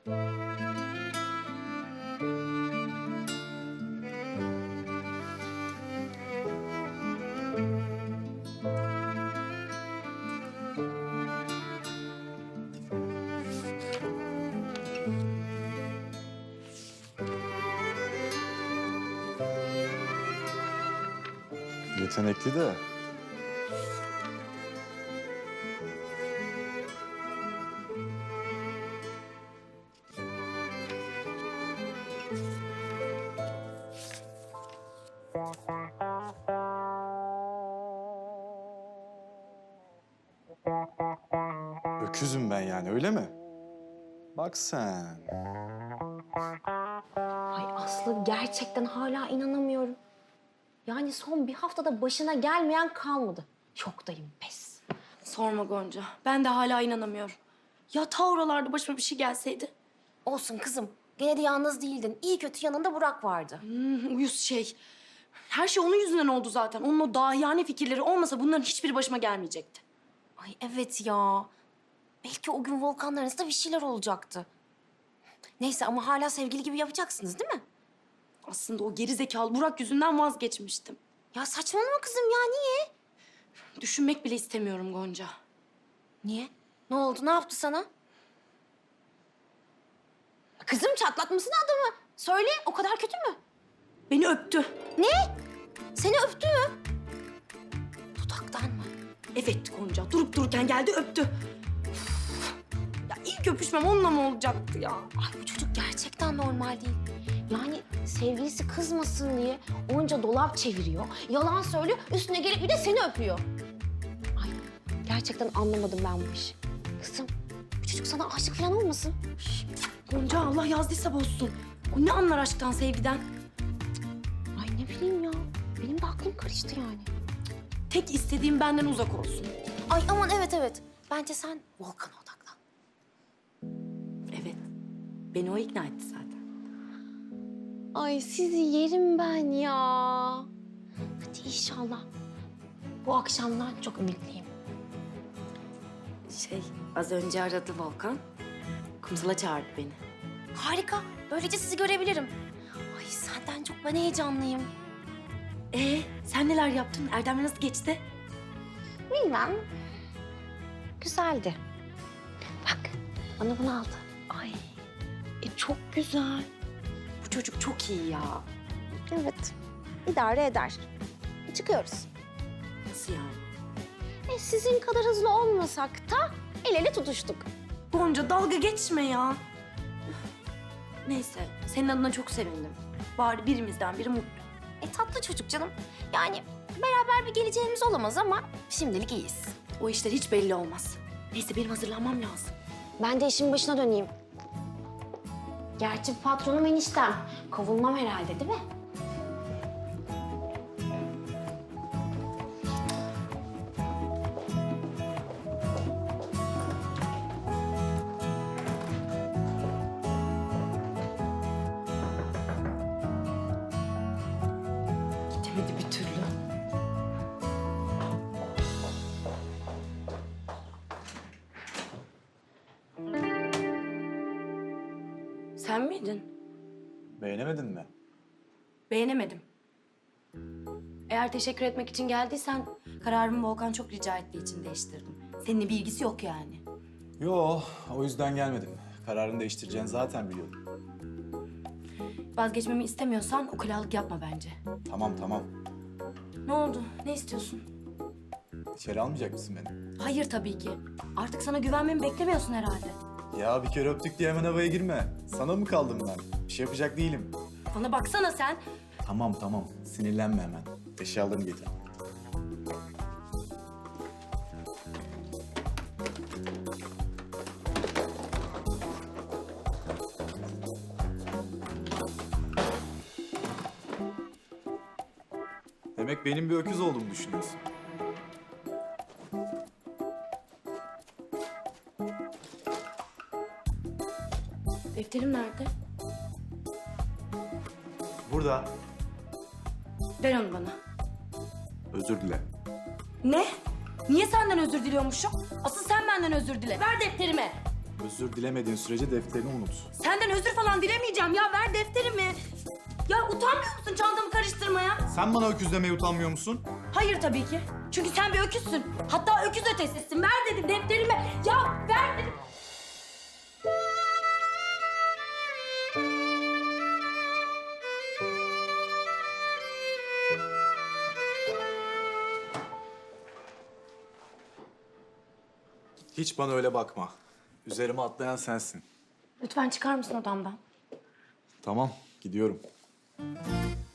Yetenekli de. Öküzüm ben yani, öyle mi? Bak sen. Ay Aslı, gerçekten hala inanamıyorum. Yani son bir haftada başına gelmeyen kalmadı. Şoktayım, pes. Sorma Gonca. Ben de hala inanamıyorum. Ya ta oralarda başıma bir şey gelseydi? Olsun kızım. Gene de yalnız değildin. İyi kötü yanında Burak vardı. Uyuz şey. Her şey onun yüzünden oldu zaten. Onun o dahiyane fikirleri olmasa bunların hiçbiri başıma gelmeyecekti. Ay evet ya. Belki o gün Volkan'ın arasında bir şeyler olacaktı. Neyse ama hala sevgili gibi yapacaksınız değil mi? Aslında o geri zekalı Burak yüzünden vazgeçmiştim. Ya saçmalama kızım ya, niye? Düşünmek bile istemiyorum Gonca. Niye? Ne oldu? Ne yaptı sana? Kızım, çatlatmasın adamı. Söyle, o kadar kötü mü? Beni öptü. Ne? Seni öptü mü? Dudaktan mı? Evet Gonca. Durup dururken geldi öptü. Üf. Ya ilk öpüşmem onunla mı olacaktı ya? Ay bu çocuk gerçekten normal değil. Yani sevgilisi kızmasın diye onca dolap çeviriyor, yalan söylüyor, üstüne gelip bir de seni öpüyor. Ay gerçekten anlamadım ben bu işi. Kızım, bu çocuk sana aşık falan olmasın? Gonca Allah yazdıysa bozsun. O ne anlar aşktan, sevgiden? Ay ne bileyim ya, benim de aklım karıştı yani. Tek istediğim benden uzak olsun. Ay aman evet. Bence sen Volkan'a odaklan. Evet. Beni o ikna etti zaten. Ay sizi yerim ben ya. Hadi inşallah. Bu akşamdan çok ümitliyim. Az önce aradı Volkan. Kumsal'a çağırdı beni. Harika. Böylece sizi görebilirim. Ay senden çok ben heyecanlıyım. Sen neler yaptın? Erdem'le nasıl geçti? Bilmem. Güzeldi. Bak, bana bunu aldı. Ay, çok güzel. Bu çocuk çok iyi ya. Evet, idare eder. Çıkıyoruz. Nasıl yani? Sizin kadar hızlı olmasak da el ele tutuştuk. Gonca dalga geçme ya. Neyse, senin adına çok sevindim. Bari birimizden biri mutlu. Tatlı çocuk canım. Yani beraber bir geleceğimiz olamaz ama şimdilik iyiyiz. O işler hiç belli olmaz. Neyse benim hazırlanmam lazım. Ben de işin başına döneyim. Gerçi patronum eniştem. Kovulmam herhalde değil mi? Gidemedi bir türlü. Sen miydin? Beğenemedin mi? Beğenemedim. Eğer teşekkür etmek için geldiysen kararımı Volkan çok rica ettiği için değiştirdim. Seninle bir ilgisi yok yani. Yo, o yüzden gelmedim. Kararını değiştireceğini zaten biliyordum. Vazgeçmemi istemiyorsan ukalalık yapma bence. Tamam. Ne oldu? Ne istiyorsun? İçeri almayacak mısın beni? Hayır tabii ki. Artık sana güvenmemi beklemiyorsun herhalde. Ya bir kere öptük diye hemen havaya girme. Sana mı kaldım ben? Bir şey yapacak değilim. Bana baksana sen. Tamam. Sinirlenme hemen. Eşyalarını getir. Demek benim bir öküz olduğumu düşünüyorsun. Defterim nerede? Burada. Ver onu bana. Özür dile. Ne? Niye senden özür diliyormuşum? Asıl sen benden özür dile. Ver defterimi. Özür dilemediğin sürece defterini unut. Senden özür falan dilemeyeceğim ya. Ver defterimi. Ya utanmıyor musun çantamı karıştırmaya? Sen bana öküz demeye utanmıyor musun? Hayır tabii ki. Çünkü sen bir öküzsün. Hatta öküz ötesisin. Ver dedim defterimi. Ya ver dedim. Hiç bana öyle bakma. Üzerime atlayan sensin. Lütfen çıkar mısın odamdan? Tamam, gidiyorum.